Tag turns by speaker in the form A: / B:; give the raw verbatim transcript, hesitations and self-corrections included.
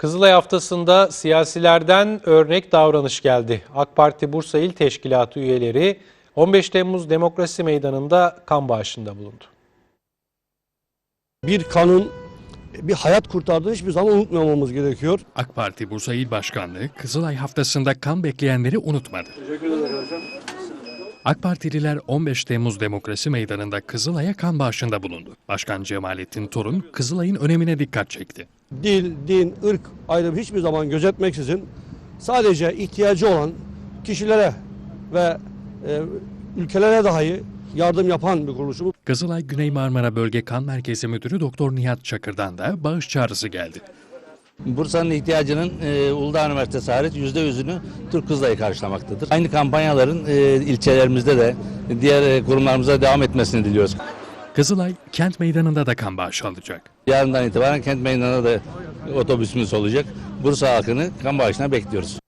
A: Kızılay haftasında siyasilerden örnek davranış geldi. AK Parti Bursa İl Teşkilatı üyeleri on beş Temmuz Demokrasi Meydanı'nda kan bağışında bulundu.
B: Bir kanun bir hayat kurtardığını hiçbir zaman unutmamamız gerekiyor.
C: AK Parti Bursa İl Başkanlığı Kızılay haftasında kan bekleyenleri unutmadı. AK Partililer on beş Temmuz Demokrasi Meydanı'nda Kızılay'a kan bağışında bulundu. Başkan Cemalettin Torun Kızılay'ın önemine dikkat çekti.
B: Dil, din, ırk ayrımı hiçbir zaman gözetmeksizin sadece ihtiyacı olan kişilere ve e, ülkelere dahi yardım yapan bir kuruluşumuz.
C: Kızılay Güney Marmara Bölge Kan Merkezi Müdürü Doktor Nihat Çakır'dan da bağış çağrısı geldi.
D: Bursa'nın ihtiyacının e, Uludağ Üniversitesi hariç yüzde yüzünü Türk Kızılay'ı karşılamaktadır. Aynı kampanyaların e, ilçelerimizde de diğer e, kurumlarımıza devam etmesini diliyoruz.
C: Kızılay kent meydanında da kan bağışı alacak.
D: Yarından itibaren kent meydanında da otobüsümüz olacak. Bursa halkını kan bağışına bekliyoruz.